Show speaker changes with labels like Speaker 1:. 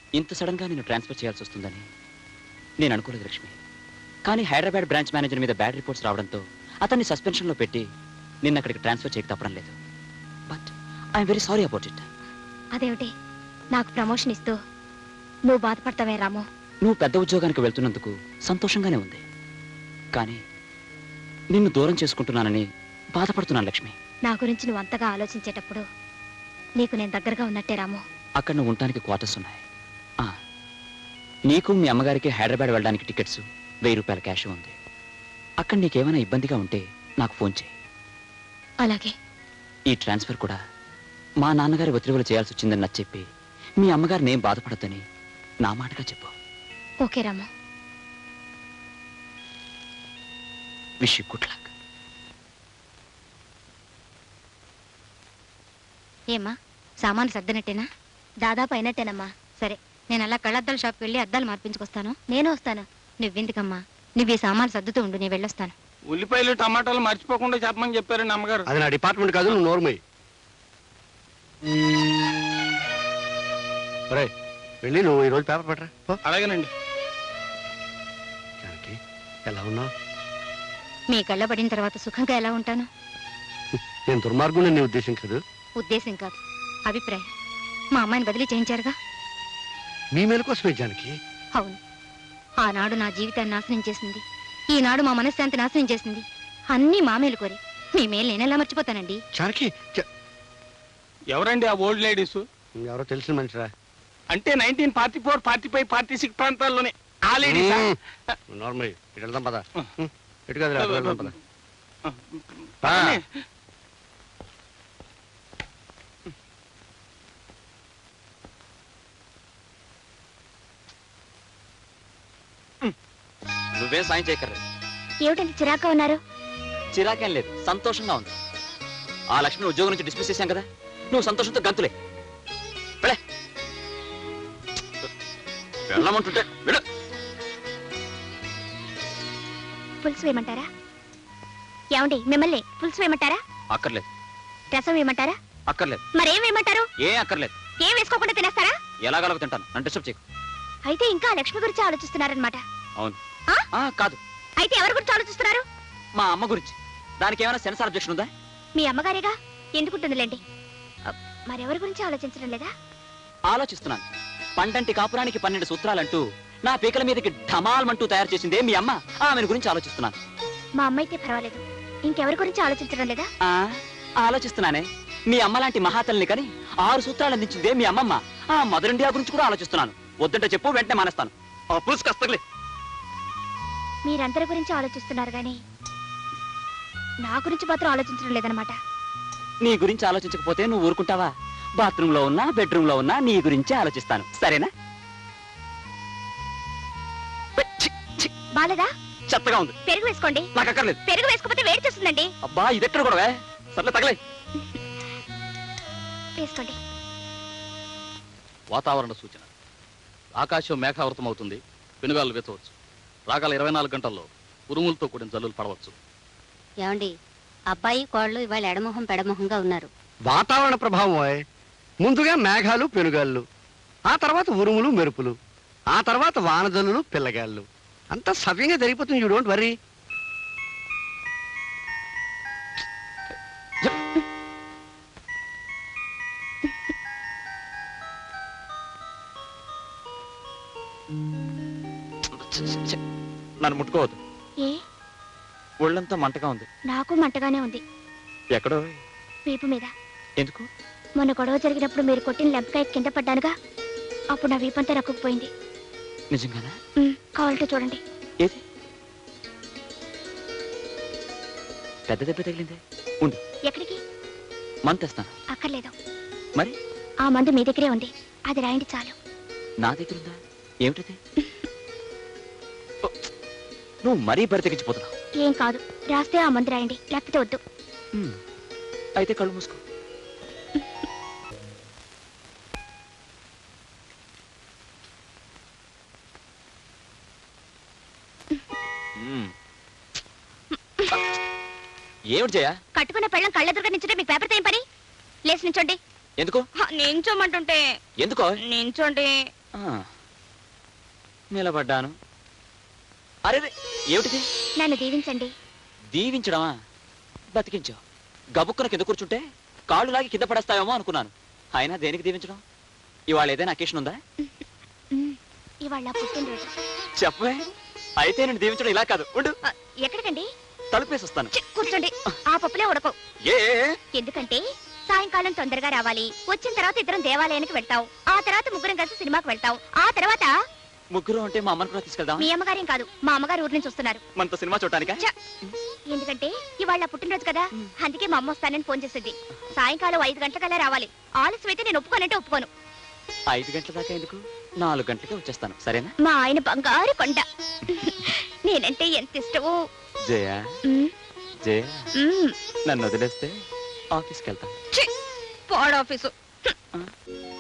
Speaker 1: ఇంత సడన్ గా నేను ట్రాన్స్ఫర్ చేయాల్సి వస్తుందని నేను అనుకోలేదు లక్ష్మి. కానీ హైదరాబాద్ బ్రాంచ్ మేనేజర్ మీద బ్యాడ్ రిపోర్ట్స్ రావడంతో అతన్ని సస్పెన్షన్లో పెట్టి నిన్న అక్కడికి ట్రాన్స్ఫర్ చేయక తప్పడం లేదు. But I'm very sorry about it.
Speaker 2: అదేమిటి నాకు ప్రమోషన్ ఇస్తూ నువ్వు బాధపడతావే రాము?
Speaker 1: నువ్వు పెద్ద ఉద్యోగానికి వెళ్తున్నందుకు సంతోషంగానే ఉంది, కానీ నిన్ను దూరం చేసుకుంటున్నానని బాధపడుతున్నాను లక్ష్మి.
Speaker 2: నా గురించి నువ్వు అంతగా ఆలోచించేటప్పుడు నీకు నేను దగ్గరగా ఉన్నట్టే రాము.
Speaker 1: అక్కడ నువ్వు ఉండటానికి క్వార్టర్స్ ఉన్నాయి. నీకు మీ అమ్మగారికి హైదరాబాద్ వెళ్ళడానికి టికెట్స్, 1000 రూపాయల క్యాష్ ఉంది. అక్కడ నీకేమైనా ఇబ్బందిగా ఉంటే నాకు ఫోన్ చేయి.
Speaker 2: అలాగే.
Speaker 1: ఈ ట్రాన్స్ఫర్ కూడా మా నాన్నగారి ఒత్తిడిలో చేయాల్సి వచ్చిందని నచ్చ చెప్పి మీ అమ్మగారిని ఏం బాధపడద్దని నా మాటగా చెప్పు.
Speaker 2: Okay Ramu.
Speaker 1: Wish you good luck.
Speaker 2: ఏమ్మా సామాను సర్దనట్టేనా? దాదాపు అయినట్టేనమ్మా. సరే, నేను అలా కళ్ళద్దాల షాప్కి వెళ్ళి అద్దాలు మార్పించుకొస్తాను. నేను వస్తాను. నువ్వెందుకమ్మా, నువ్వు ఈ సామాను సర్దుతూ ఉండు, నేను వెళ్ళొస్తాను.
Speaker 3: ఉల్లిపాయలు టమాటాలు మర్చిపోకుండా చెప్పమని చెప్పారండి అమ్మగారు.
Speaker 4: అది నా డిపార్ట్మెంట్ కాదు, నువ్వు నోర్మయ్యి. వెళ్ళి నువ్వు ఈరోజు పేపర్ పెట్టరా.
Speaker 3: అలాగేనండి.
Speaker 4: జానకి, ఎలా ఉన్నావు?
Speaker 2: మీ కళ్ళ పడిన తర్వాత సుఖంగా ఎలా ఉంటాను?
Speaker 4: నేను దుర్మార్గుని నీ ఉద్దేశం కాదు.
Speaker 2: ఉద్దేశం కాదు, అభిప్రాయం. మా అమ్మాయిని బదిలీ చేయించారుగా.
Speaker 4: మీ మేలు కోసమే జానకి.
Speaker 2: అవును, ఆనాడు నా జీవితాన్ని నాశనం చేసింది, ఈనాడు మా మనశ్శాంతి నాశనం చేసింది. అన్నీ మా మేలు కోరి. మీ మేలు నేనెలా మర్చిపోతానండి?
Speaker 4: జానకి,
Speaker 3: ఎవరండి ఆ ఓల్డ్ లేడీస్?
Speaker 4: ఎవరో తెలిసిన మనిషిరా.
Speaker 3: అంటే 1944, 45, 46 ప్రాంతాల్లోనే ఆ లేడీస్.
Speaker 4: నార్మల్ ఇటు వెళ్దాం పద. ఇటు కదా వెళ్దాం పద.
Speaker 1: నువ్వేం సాయం చేయక్కర్లేదు.
Speaker 2: ఏమిటంటే చిరాగ్గా ఉన్నారు?
Speaker 1: చిరాకేం లేదు, సంతోషంగా ఉంది. ఆ లక్ష్మిని ఉద్యోగం నుంచి డిస్మిస్ చేశాం కదా, నువ్వు సంతోషంతో గంతులే. వెళ్ళమంటుంటే వెళ్ళు.
Speaker 2: పులుసు వేయమంటారా? ఏమండి, మిమ్మల్ని పులుసు వేయమంటారా?
Speaker 1: అక్కర్లేదు.
Speaker 2: రసం వేయమంటారా?
Speaker 1: అక్కర్లేదు.
Speaker 2: మరేం వేయమంటారు?
Speaker 1: ఏం అక్కర్లేదు.
Speaker 2: ఏం వేసుకోకుండా తినేస్తారా?
Speaker 1: ఎలాగలగ తింటాను, నన్ను డిస్టర్బ్ చేయకు.
Speaker 2: అయితే ఇంకా లక్ష్మి గురించి ఆలోచిస్తున్నారనమాట.
Speaker 1: అవును. కాదు.
Speaker 2: అయితే ఎవరి గురించి ఆలోచిస్తున్నారు?
Speaker 1: మా అమ్మ గురించి. దానికి ఏమైనా సెన్సార్ అబ్జెక్షన్ ఉందా?
Speaker 2: మీ అమ్మగారేగా, ఎందుకుంటుందిలేండి. మరెవరి గురించి ఆలోచించడం లేదా?
Speaker 1: ఆలోచిస్తున్నాను. పండంటి కాపురానికి 12 సూత్రాలంటూ నా పీకల మీదకి ఢమాల్మంటూ తయారు చేసిందే మీ అమ్మ. ఆమెను గురించి ఆలోచిస్తున్నాను.
Speaker 2: మా అమ్మ అయితే పర్వాలేదు, ఇంకెవరి గురించి ఆలోచించడం లేదా?
Speaker 1: ఆలోచిస్తున్నానే. మీ అమ్మ లాంటి మహాతల్ని కని 6 సూత్రాలు అందించిందే మీ అమ్మమ్మ. ఆ మదర్ ఇండియా గురించి కూడా ఆలోచిస్తున్నాను. వద్దంటే చెప్పు, వెంటనే మానేస్తాను. పులుసు కస్తలే.
Speaker 2: మీరందరి గురించి ఆలోచిస్తున్నారు గాని నా గురించి మాత్రం ఆలోచించడం లేదనమాట.
Speaker 1: నీ గురించి ఆలోచించకపోతే నువ్వు ఊరుకుంటావా? బాత్రూమ్ లో ఉన్నా, బెడ్రూమ్ లో ఉన్నా నీ గురించే ఆలోచిస్తాను. సరేనా?
Speaker 2: బాలేదా?
Speaker 1: చెత్తగా ఉంది.
Speaker 2: పెరుగు వేసుకోండి.
Speaker 1: నాకు అక్కర్లేదు.
Speaker 2: పెరుగు వేసుకోకపోతే వేడి చేస్తుందండి.
Speaker 1: అబ్బా, ఇదెక్కడ కూడా సర్లే, తగలే.
Speaker 2: వేసుకోండి.
Speaker 5: వాతావరణ సూచన. ఆకాశం మేఘావృతం అవుతుంది. పెనుగాలు వెతవచ్చు. రాగల 24 గంటల్లో ఉరుములతో కూడిన జల్లులు పడవచ్చు.
Speaker 6: ఏమండి, అబ్బాయి కోళ్ళు ఇవాళ ఎడమొహం పెడమొహంగా ఉన్నారు.
Speaker 4: వాతావరణ ప్రభావం. ముందుగా మేఘాలు, పెనుగాళ్ళు, ఆ తర్వాత ఉరుములు, మెరుపులు, ఆ తర్వాత వానజల్లులు, పిల్లగాళ్ళు. అంతా సవ్యంగా జరిగిపోతుంది. You don't worry.
Speaker 1: నన్ను ముట్టుకోవద్దు.
Speaker 2: ఏ?
Speaker 1: ఒళ్ళంతా మంటగా ఉంది.
Speaker 2: నాకు మంటగానే ఉంది.
Speaker 1: ఎక్కడో?
Speaker 2: వీపు మీద.
Speaker 1: ఎందుకు?
Speaker 2: మొన్న గొడవ జరిగినప్పుడు మీరు కొట్టిన లెంపకాయ కింద పడ్డానుగా, అప్పుడు నా వీపంతా రక్కుపోయింది.
Speaker 1: నిజంగానా?
Speaker 2: కావాలంటే చూడండి.
Speaker 1: ఏది? పెద్ద దెబ్బ తగిలిందే. ఉండు.
Speaker 2: ఎక్కడికి?
Speaker 1: మందు తెస్తాను.
Speaker 2: అక్కర్లేదు.
Speaker 1: మరి?
Speaker 2: ఆ మందు మీ దగ్గరే ఉంది, అది రాయండి చాలు.
Speaker 1: నా దగ్గర ఉందా? ఏమిటది? నువ్వు మరీ బరి తెగించిపోతున్నావు.
Speaker 2: ఏం కాదు, రాస్తే ఆ మందు రాయండి, లేకపోతే వద్దు.
Speaker 1: అయితే కళ్ళు మూసుకో. ఏమిటి జయ?
Speaker 2: కట్టుకున్న పెళ్ళం కళ్ళెదురుగా నించుంటే మీకు పేపర్తో ఏం పని? లేచి నించోండి.
Speaker 1: ఎందుకు?
Speaker 2: నించోమంటుంటే.
Speaker 1: ఎందుకో?
Speaker 2: నించోండి.
Speaker 1: నిలబడ్డాను. అరే ఏమిటిది?
Speaker 2: నన్ను దీవించండి.
Speaker 1: దీవించడమా? బతికించావు. గబుక్కున కింద కూర్చుంటే కాళ్ళు లాగి కింద పడేస్తావేమో అనుకున్నాను. అయినా దేనికి దీవించడం? ఇవాళ ఏదైనా అకేషన్ ఉందా?
Speaker 2: ఇవాళ పుట్టినరోజు.
Speaker 1: చెప్పే. అయితే నేను దీవించడం ఇలా కాదు. ఉండు.
Speaker 2: ఎక్కడికండి?
Speaker 1: తలుపేసి వస్తాను.
Speaker 2: కూర్చోండి. ఆ పప్పులే ఉడకవు.
Speaker 1: ఏ
Speaker 2: ఎందుకంటే సాయంకాలం తొందరగా రావాలి. వచ్చిన తర్వాత ఇద్దరం దేవాలయానికి వెళ్తాం. ఆ తర్వాత ముగ్గురం కలిసి సినిమాకి వెళ్తాం. ఆ తర్వాత
Speaker 1: ముగ్గురు అంటే మా అమ్మని కూడా తీసుకెళ్దాం.
Speaker 2: మీ అమ్మగారేం కాదు, మా అమ్మగారు ఊరి నుంచి వస్తున్నారు.
Speaker 1: మనతో సినిమా చూడటానికా?
Speaker 2: ఎందుకంటే ఇవాళ పుట్టినరోజు కదా, అందుకే మా అమ్మ వస్తానని ఫోన్ చేసింది. సాయంకాలం 5 గంటలకల్లా రావాలి. ఆలస్యం అయితే నేను ఒప్పుకోనంటే ఒప్పుకోను.
Speaker 1: 5 గంటల దాకా ఎందుకు? 4 గంటలకే వచ్చేస్తాను. సరేనా?
Speaker 2: మా ఆయన బంగారు కొండ. నేనంటే ఎంత ఇష్టమో.
Speaker 1: జయ
Speaker 2: ఉమ్,
Speaker 1: జయ
Speaker 2: ఉమ్.
Speaker 1: నన్ను వదిలేస్తే ఆఫీస్కి వెళ్తాను.
Speaker 2: ఛీ, పాడు ఆఫీసు.